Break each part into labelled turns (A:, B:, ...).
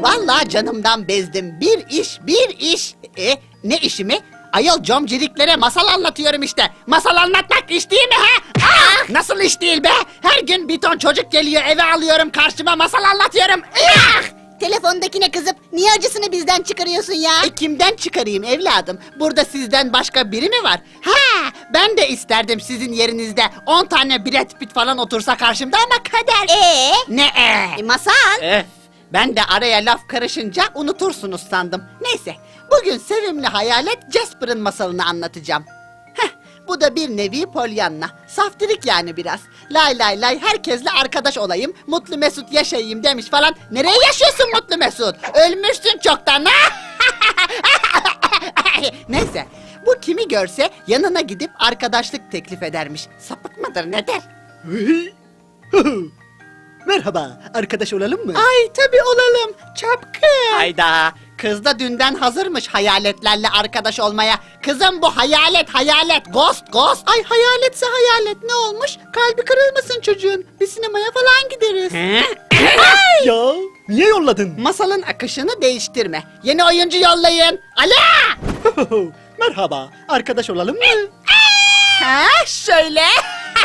A: Vallahi canımdan bezdim. Bir iş. Ne işi mi? Ayol comciliklere masal anlatıyorum işte. Masal anlatmak iş değil mi he? Nasıl iş değil be? Her gün bir ton çocuk geliyor, eve alıyorum, karşıma masal anlatıyorum.
B: Telefondakine kızıp niye acısını bizden çıkarıyorsun ya?
A: Kimden çıkarayım evladım? Burada sizden başka biri mi var? Ben de isterdim sizin yerinizde 10 tane Brad Pitt falan otursa karşımda ama kader. Ne
B: Masal.
A: Ben de araya laf karışınca unutursunuz sandım. Neyse, bugün sevimli hayalet Jasper'ın masalını anlatacağım. Bu da bir nevi Pollyanna. Saftirik yani biraz. Lay lay lay herkesle arkadaş olayım, mutlu mesut yaşayayım demiş falan. Nereye yaşıyorsun mutlu mesut? Ölmüşsün çoktan. Neyse, bu kimi görse yanına gidip arkadaşlık teklif edermiş. Sapık mıdır nedir?
C: Merhaba, arkadaş olalım mı?
A: Ay tabii olalım. Çapkın. Hayda. Kız da dünden hazırmış hayaletlerle arkadaş olmaya. Kızım bu hayalet. Ghost. Ay hayaletse hayalet ne olmuş? Kalbi kırılmasın çocuğun. Bir sinemaya falan gideriz.
C: Ya, niye yolladın?
A: Masalın akışını değiştirme. Yeni oyuncu yollayın. Ala!
C: Merhaba, arkadaş olalım mı?
A: Şöyle.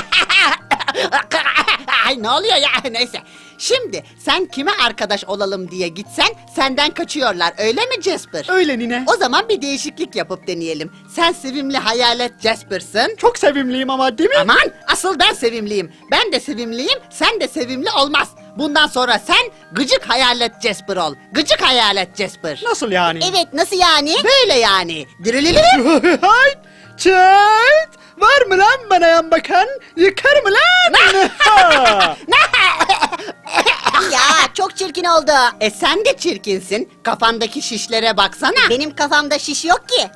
A: Ay ne oluyor ya neyse. Şimdi sen kime arkadaş olalım diye gitsen senden kaçıyorlar öyle mi Jasper?
C: Öyle nine.
A: O zaman bir değişiklik yapıp deneyelim. Sen sevimli hayalet Jasper'sın.
C: Çok sevimliyim ama değil mi?
A: Aman asıl ben sevimliyim. Ben de sevimliyim, sen de sevimli olmaz. Bundan sonra sen gıcık hayalet Jasper ol. Gıcık hayalet Jasper.
C: Nasıl yani?
B: Evet, nasıl yani?
A: Böyle yani. Dirilili.
C: Hay, çat! Var mı lan bana yan bakan? Yıkar mı lan?
B: Ya çok çirkin oldu.
A: Sen de çirkinsin. Kafandaki şişlere baksana.
B: Benim kafamda şiş yok ki.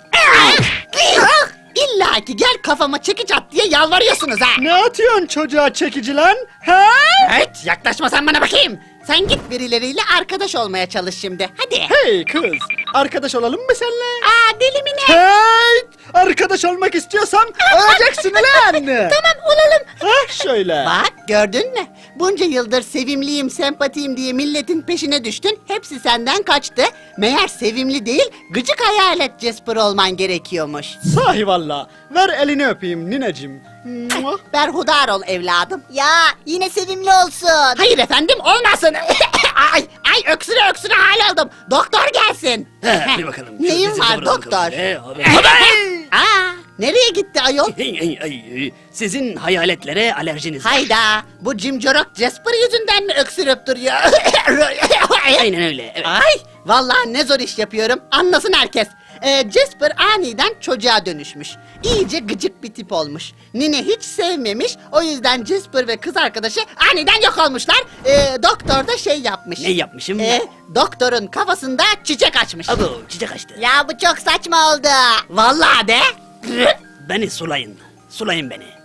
A: İlla ki gel kafama çekiç at diye yalvarıyorsunuz ha.
C: Ne atıyorsun çocuğa çekici lan? Ha?
A: Evet yaklaşma sen bana bakayım. Sen git birileriyle arkadaş olmaya çalış şimdi. Hadi.
C: Hey kız, arkadaş olalım mı seninle?
A: Deli mi ne?
C: Hey! Arkadaş olmak istiyorsam öleceksin lan!
A: Tamam olalım.
C: Şöyle.
A: Bak gördün mü? Bunca yıldır sevimliyim, sempatiyim diye milletin peşine düştün. Hepsi senden kaçtı. Meğer sevimli değil, gıcık hayalet Jasper olman gerekiyormuş.
C: Sahi valla. Ver elini öpeyim nineciğim. Mua.
A: Berhudar ol evladım.
B: Ya yine sevimli olsun.
A: Hayır efendim olmasın. ay öksüre hal oldum. Doktor gelsin.
D: Bir bakalım.
A: Neyin var doktor? Nereye gitti ayol?
D: Sizin hayaletlere alerjiniz var.
A: Hayda, bu cimcorok Jasper yüzünden mi öksürüp duruyor?
D: Aynen öyle. Evet.
A: Ay, vallahi ne zor iş yapıyorum. Anlasın herkes. Jasper aniden çocuğa dönüşmüş. İyice gıcık bir tip olmuş. Nine hiç sevmemiş. O yüzden Jasper ve kız arkadaşı aniden yok olmuşlar. Doktor da şey yapmış.
D: Ne yapmışım?
A: Doktorun kafasında çiçek açmış.
D: Abo, çiçek açtı.
B: Ya bu çok saçma oldu.
A: Vallahi de.
D: Beni sulayın. Sulayın beni.